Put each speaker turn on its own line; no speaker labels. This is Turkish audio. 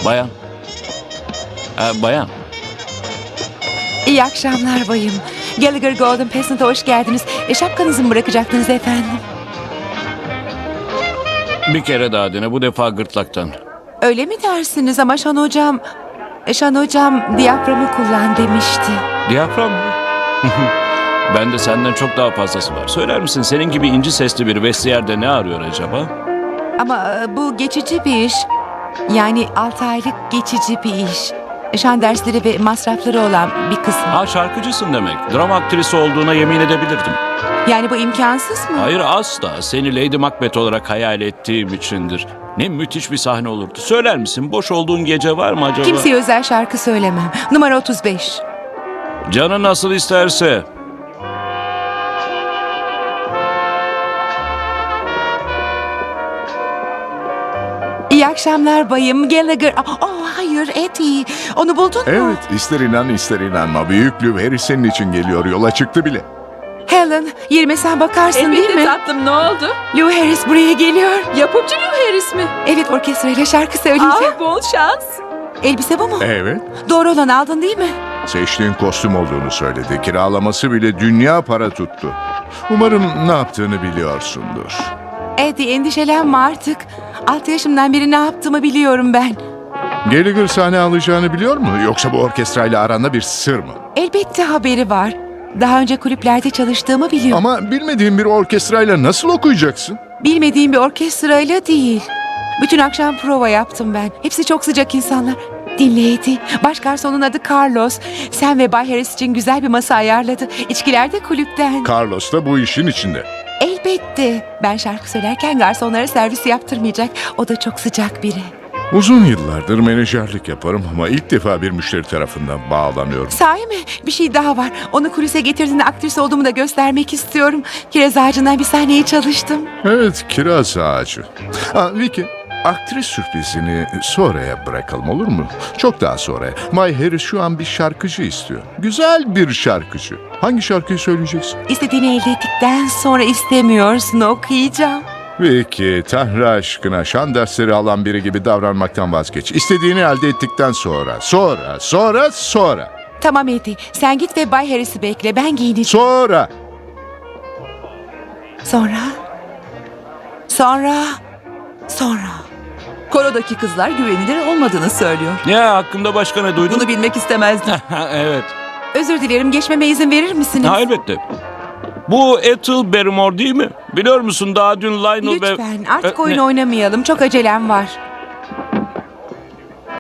Bayan. Bayan.
İyi akşamlar bayım. Gallagher Golden Peasant'a hoş geldiniz. Şapkanızı mı bırakacaktınız efendim?
Bir kere daha dene, bu defa gırtlaktan.
Öyle mi dersiniz ama Şan hocam diyaframı kullan demişti.
Diyafram mı? Ben de senden çok daha fazlası var. Söyler misin, senin gibi inci sesli bir vestiyerde ne arıyor acaba?
Ama bu geçici bir iş. Yani 6 aylık geçici bir iş. Şan dersleri ve masrafları olan bir kısmı.
Ha, şarkıcısın demek. Drama aktrisi olduğuna yemin edebilirdim.
Yani bu imkansız mı?
Hayır, asla. Seni Lady Macbeth olarak hayal ettiğim içindir. Ne müthiş bir sahne olurdu. Söyler misin, boş olduğun gece var mı acaba?
Kimseye özel şarkı söylemem. Numara 35.
Canın nasıl isterse.
İyi akşamlar bayım. Gallagher... hayır Eddie. Onu buldun mu?
Evet, ister inan ister inanma. Büyük Lou Harris senin için geliyor. Yola çıktı bile.
Helen, yerime sen bakarsın değil mi?
Elbette tatlım, ne oldu?
Lou Harris buraya geliyor.
Yapımcı Lou Harris mi?
Evet, orkestrayla şarkı söyleyeceğim.
Bol şans.
Elbise bu mu?
Evet,
Doğru olan aldın değil mi?
seçtiğin kostüm olduğunu söyledi. Kiralaması bile dünya para tuttu. Umarım ne yaptığını biliyorsundur.
Eddie, endişelenme artık. 6 yaşımdan beri ne yaptığımı biliyorum ben.
Gallagher sahne alacağını biliyor mu? Yoksa bu orkestrayla aranda bir sır mı?
Elbette haberi var. Daha önce kulüplerde çalıştığımı biliyor.
Ama bilmediğin bir orkestrayla nasıl okuyacaksın?
Bilmediğim bir orkestrayla değil. Bütün akşam prova yaptım ben. Hepsi çok sıcak insanlar. Dinle Eddie. Baş garsonun adı Carlos. Sen ve Bay Harris için güzel bir masa ayarladı. İçkiler de kulüpten.
Carlos da bu işin içinde.
Elbette. Ben şarkı söylerken garsonlara servis yaptırmayacak. O da çok sıcak biri.
Uzun yıllardır menajerlik yaparım ama ilk defa bir müşteri tarafından bağlanıyorum.
Sahi mi? Bir şey daha var. Onu kulise getirdiğinde aktris olduğumu da göstermek istiyorum. Kiraz ağacından bir sahneyi çalıştım.
Evet, kiraz ağacı. Vicky, aktris sürprizini sonraya bırakalım, olur mu? Çok daha sonra. May Harris şu an bir şarkıcı istiyor. Güzel bir şarkıcı. Hangi şarkıyı söyleyeceksin?
İstediğini elde ettikten sonra istemiyorsun, okuyacağım.
Vicky, Tanrı aşkına şan dersleri alan biri gibi davranmaktan vazgeç. İstediğini elde ettikten sonra. Sonra.
Tamam Eddie, sen git ve Bay Harris'i bekle. Ben giyineceğim.
Sonra.
Sonra.
Korodaki kızlar güvenilir olmadığını söylüyor.
Ya, hakkında başka ne duydun?
Bunu bilmek istemezdim.
Evet.
Özür dilerim, geçmeme izin verir misiniz?
Ha, elbette. Bu Ethel Barrymore değil mi? Biliyor musun, daha dün Lionel ve...
Lütfen artık oyun
Ne?
oynamayalım. Çok acelem var.